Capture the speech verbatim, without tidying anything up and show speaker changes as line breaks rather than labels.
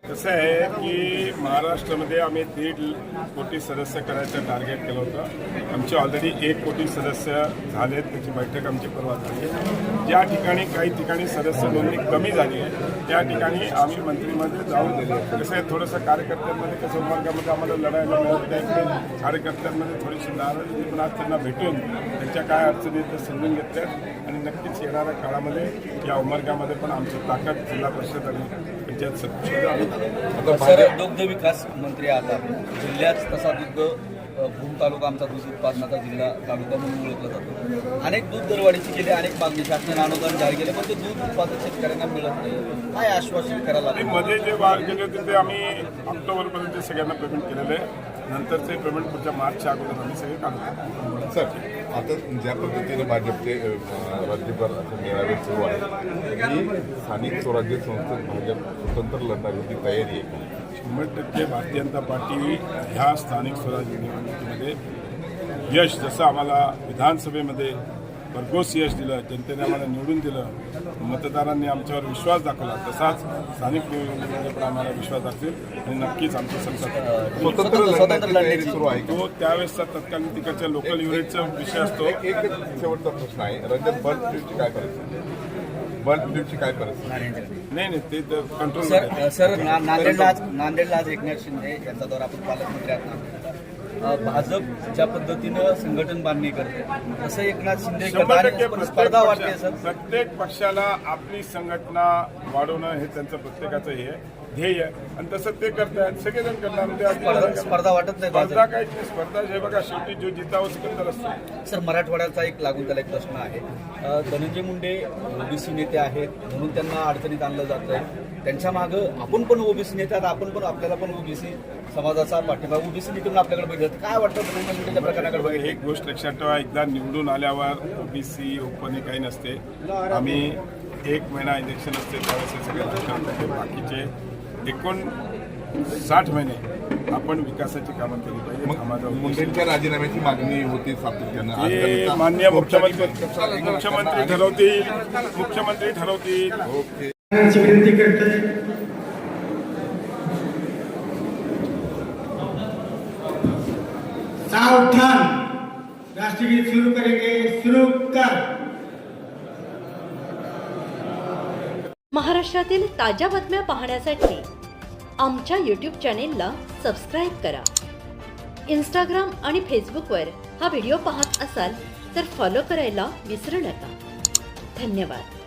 कसं आहे की महाराष्ट्रामध्ये आम्ही दीड कोटी सदस्य करायचं टार्गेट केलं होतं. आमचे ऑलरेडी एक कोटी सदस्य झालेत. त्याची बैठक आमची परवा झाली. ज्या ठिकाणी काही ठिकाणी सदस्य नोंदणी कमी झाली आहे त्या ठिकाणी आम्ही मंत्रिमंडळ जाऊन दिले. कसं आहे थोडंसं कार्यकर्त्यांमध्ये कसं मार्गामध्ये आम्हाला लढायला मिळत नाही. कार्यकर्त्यांमध्ये थोडीशी नाराजी पण आज त्यांना भेटून त्यांच्या काय अडचणी ते समजून घेतल्यात आणि नक्कीच येणाऱ्या काळामध्ये या उमरगामध्ये पण आमची ताकद जिल्हा परिषद आणि पंचायत समिती.
सर, दुग्ध विकास मंत्री आता जिल्ह्यात तसा दुग्ध भूम तालुका आमचा दूध उत्पादनाचा जिल्हा तालुका म्हणून ओळखला जातो. अनेक दूध दरवाढीची गेले अनेक मागणी शासनाने अनुदान जाहीर केले पण ते दूध उत्पादक शेतकऱ्यांना मिळत नाही. काय आश्वासन करायला
मध्ये जे वाढ केले होते ते आम्ही ऑक्टोबरपर्यंत सगळ्यांना पेमेंट केलेलं आहे. नंतरचे पेमेंट पुढच्या मार्चच्या अगोदर आम्ही सगळे काढतो.
सर, आता ज्या पद्धतीने भाजपचे राज्यभर मेळावे सुरू आहे की स्थानिक स्वराज्य संस्थेत भाजप स्वतंत्र लढण्याची तयारी आहे.
शंभर टक्के भारतीय जनता पार्टी ह्या स्थानिक स्वराज्य निवडणुकीमध्ये यश जसं आम्हाला विधानसभेमध्ये भरघोस यश दिलं, जनतेने आम्हाला निवडून दिलं, मतदारांनी आमच्यावर विश्वास दाखवला, तसाच स्थानिक निवडणुकीमध्ये पण आम्हाला विश्वास दाखवेल आणि नक्कीच आमचं संसद
स्वतंत्र लढण्याची तयारी सुरू आहे.
तो त्यावेळेसचा तत्कालीन तिकडच्या लोकल युनिटचा विषय असतो.
एक शेवटचा प्रश्न आहे, रंजन बर्ड फ्लूची काय परिस्थिती बर्ड फ्लूची काय परिस्थिती
नाही नाही ते कंट्रोल.
सर सर ना- नांदेडला आज नांदेडला आज एकनाथ शिंदे यांचा दौरा आपण पालकमंत्री आहात. भाजप ज्या पद्धतीनं संघटन बांधणी करते तसं एकनाथ शिंदे
शंभर टक्के
करतात. स्पर्धा वाटते सर.
प्रत्येक पक्षाला आपली संघटना वाढवणं हे त्यांचं प्रत्येकाचं हे आहे, ध्येय आहे आणि तसं ते करतात. सगळेजण करणार म्हणजे
स्पर्धा स्पर्धा वाटत नाही
स्पर्धा
भाजप.
काय नाही. स्पर्धा हे बघा शेवटी जो जितावं सिकंदर असतो.
सर, मराठवाड्याचा एक लागून त्याला एक प्रश्न आहे. अ, धनंजय मुंडे ओबीसी नेते आहेत म्हणून त्यांना अडचणीत आणलं जात आहे. त्यांच्या मागं आपण पण ओबीसी नेते आहात, आपण पण आपल्याला पण ओबीसी समाजाचा पाठिंबा ओबीसी नेत्यातून आपल्याकडे बघितलं काय वाटतं धनंजय मुंडेच्या प्रकरणाकडे बघितलं.
एक गोष्ट लक्षात ठेवा, एकदा निवडून आल्यावर ओबीसी ओपन काही नसते. आम्ही एक महिना इलेक्शन असते त्यावेळेस हे सगळे राजकारण करते. बाकीचे एकूण साठ महिने आपण विकासाची कामं केली पाहिजे.
मग मुंडेंच्या राजीनाम्याची मागणी होती सातत्यानं. आज
हे
त्यांचा
माननीय मुख्यमंत्री
मुख्यमंत्री
मुख्यमंत्री ठरवतील मुख्यमंत्री ठरवतील
ओके.
विनंती करते सावधान राष्ट्रगीत शुरू करेंगे. शुरू कर.
महाराष्ट्रातील ताज्या बातम्या पाहण्यासाठी आमच्या यूट्यूब चॅनेलला सबस्क्राईब करा. इंस्टाग्राम आणि फेसबुकवर हा व्हिडिओ पाहत असाल तर फॉलो करायला विसरू नका. धन्यवाद.